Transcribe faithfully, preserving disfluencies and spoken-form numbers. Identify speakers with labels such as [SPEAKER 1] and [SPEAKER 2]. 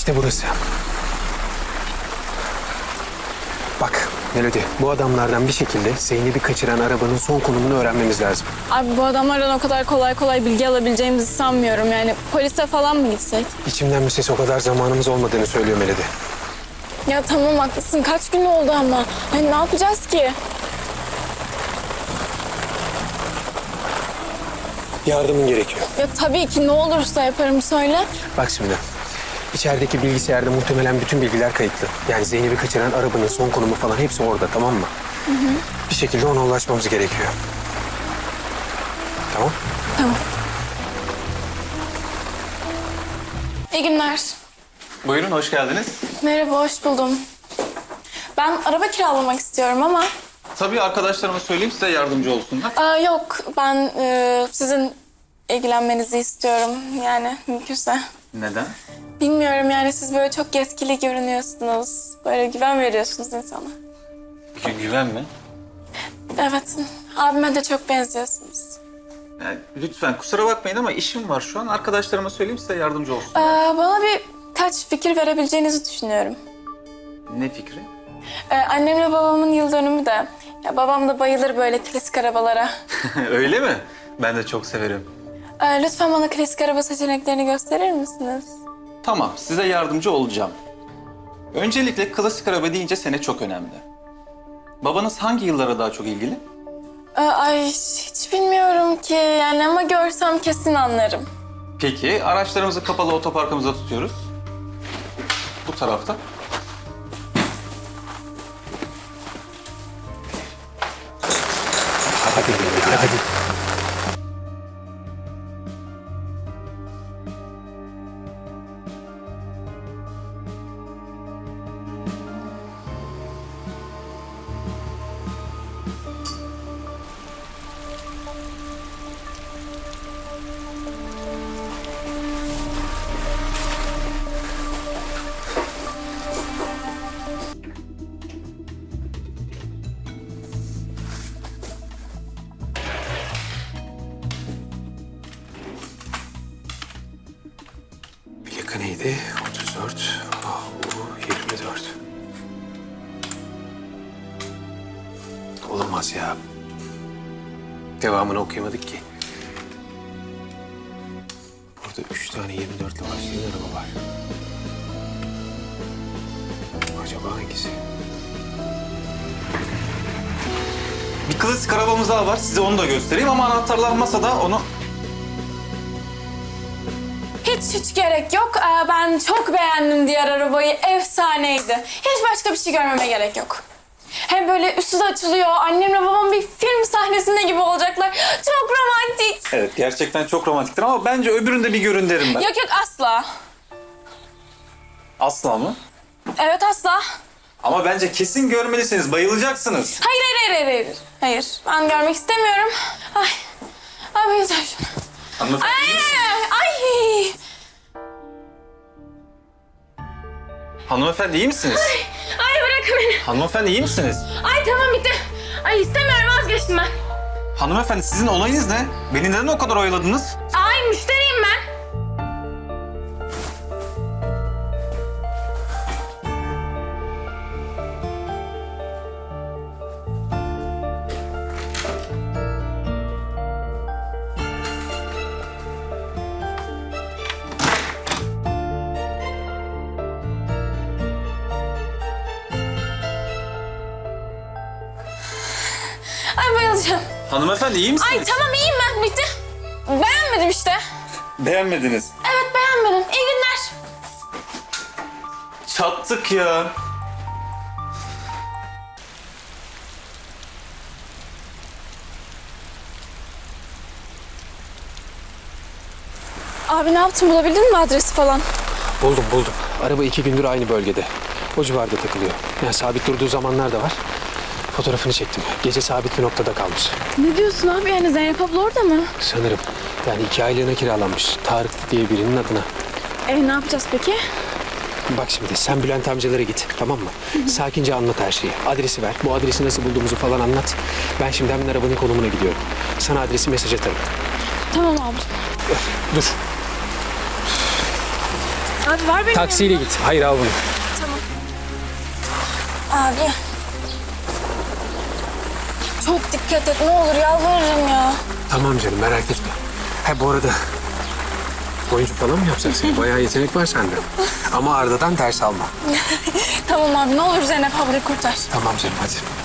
[SPEAKER 1] İşte burası. Bak Melodi, bu adamlardan bir şekilde Zeynep'i kaçıran arabanın son konumunu öğrenmemiz lazım.
[SPEAKER 2] Abi bu adamlardan o kadar kolay kolay bilgi alabileceğimizi sanmıyorum. Yani polise falan mı gitsek?
[SPEAKER 1] İçimden bir ses o kadar zamanımız olmadığını söylüyor Melodi.
[SPEAKER 2] Ya tamam haklısın. Kaç gün oldu ama. Hani ne yapacağız ki?
[SPEAKER 1] Yardımın gerekiyor.
[SPEAKER 2] Ya tabii ki ne olursa yaparım söyle.
[SPEAKER 1] Bak şimdi, içerideki bilgisayarda muhtemelen bütün bilgiler kayıtlı. Yani Zeynep'i kaçıran arabanın son konumu falan hepsi orada, tamam mı? Hı hı. Bir şekilde ona ulaşmamız gerekiyor. Tamam?
[SPEAKER 2] Tamam. İyi günler.
[SPEAKER 3] Buyurun, hoş geldiniz.
[SPEAKER 2] Merhaba, hoş buldum. Ben araba kiralamak istiyorum ama...
[SPEAKER 3] Tabii arkadaşlarıma söyleyeyim, size yardımcı olsunlar.
[SPEAKER 2] Aa, yok, ben e, sizin ilgilenmenizi istiyorum. Yani mümkünse.
[SPEAKER 3] Neden?
[SPEAKER 2] Bilmiyorum yani siz böyle çok yetkili görünüyorsunuz. Böyle güven veriyorsunuz insana.
[SPEAKER 3] Gü- güven mi?
[SPEAKER 2] Evet, abime de çok benziyorsunuz.
[SPEAKER 3] Yani, lütfen kusura bakmayın ama işim var şu an. Arkadaşlarıma söyleyeyim, size yardımcı olsun.
[SPEAKER 2] Ee, bana birkaç fikir verebileceğinizi düşünüyorum.
[SPEAKER 3] Ne fikri?
[SPEAKER 2] Ee, annemle babamın yıl dönümü de. Ya, babam da bayılır böyle klasik arabalara.
[SPEAKER 3] Öyle mi? Ben de çok severim.
[SPEAKER 2] Ee, lütfen bana klasik araba seçeneklerini gösterir misiniz?
[SPEAKER 3] Tamam, size yardımcı olacağım. Öncelikle klasik araba deyince sene çok önemli. Babanız hangi yıllara daha çok ilgili?
[SPEAKER 2] Ee, ay hiç bilmiyorum ki yani ama görsem kesin anlarım.
[SPEAKER 3] Peki, araçlarımızı kapalı otoparkımıza tutuyoruz. Bu tarafta.
[SPEAKER 1] Hadi Melodi, hadi. Plaka neydi? otuz dört, A U yirmi dört. Olamaz ya. Devamını okuyamadık ki. Burada üç tane yirmi dörtle başlayan araba var. Acaba hangisi?
[SPEAKER 3] Bir klasik arabamız daha var, size onu da göstereyim ama anahtarlar masada, onu...
[SPEAKER 2] Hiç hiç gerek yok. Ee, ben çok beğendim diğer arabayı. Efsaneydi. Hiç başka bir şey görmeme gerek yok. Hem böyle üstü de açılıyor. Annemle babam bir film sahnesinde gibi olacaklar. Çok romantik.
[SPEAKER 3] Evet, gerçekten çok romantiktir ama bence öbüründe bir görün derim ben.
[SPEAKER 2] Yok yok asla.
[SPEAKER 3] Asla mı?
[SPEAKER 2] Evet asla.
[SPEAKER 3] Ama bence kesin görmelisiniz, bayılacaksınız.
[SPEAKER 2] Hayır hayır hayır hayır. Hayır ben görmek istemiyorum. Ay. Ay bayılacağım şuna.
[SPEAKER 3] Hanımefendi,
[SPEAKER 2] Ay
[SPEAKER 3] iyi misiniz?
[SPEAKER 2] ay.
[SPEAKER 3] Hanımefendi iyi misiniz?
[SPEAKER 2] Ay bırakın beni.
[SPEAKER 3] Hanımefendi iyi misiniz?
[SPEAKER 2] Ay tamam bitti. Ay istemiyorum vazgeçtim ben.
[SPEAKER 3] Hanımefendi sizin olayınız ne? Beni neden o kadar oyaladınız?
[SPEAKER 2] Ay müşteriyim ben. Ay bayılacağım.
[SPEAKER 3] Hanımefendi iyi misiniz?
[SPEAKER 2] Ay tamam iyiyim ben bitti. Beğenmedim işte.
[SPEAKER 3] Beğenmediniz.
[SPEAKER 2] Evet beğenmedim. İyi günler.
[SPEAKER 3] Çattık ya.
[SPEAKER 2] Abi ne yaptın bulabildin mi adresi falan?
[SPEAKER 1] Buldum buldum. Araba iki gündür aynı bölgede. O civarda takılıyor. Yani sabit durduğu zamanlar da var. Fotoğrafını çektim. Gece sabit bir noktada kalmış.
[SPEAKER 2] Ne diyorsun abi yani Zeynep abla orada mı?
[SPEAKER 1] Sanırım. Yani iki aylığına kiralanmış. Tarık diye birinin adına.
[SPEAKER 2] E ne yapacağız peki?
[SPEAKER 1] Bak şimdi sen Bülent amcalara git, tamam mı? Sakince anlat her şeyi. Adresi ver. Bu adresi nasıl bulduğumuzu falan anlat. Ben şimdi hemen arabanın konumuna gidiyorum. Sana adresi mesaj atarım.
[SPEAKER 2] Tamam abi.
[SPEAKER 1] Dur.
[SPEAKER 2] Abi var benim
[SPEAKER 1] Taksiyle
[SPEAKER 2] yanımda.
[SPEAKER 1] git. Hayır al bunu.
[SPEAKER 2] Tamam. Abi. Çok dikkat et ne olur yalvarırım ya.
[SPEAKER 1] Tamam canım merak etme. Ha bu arada oyuncu falan mı yapacaksın? Bayağı yetenek var sende. Ama Arda'dan ders alma.
[SPEAKER 2] Tamam abi ne olur Zeynep ablayı kurtar.
[SPEAKER 1] Tamam canım hadi.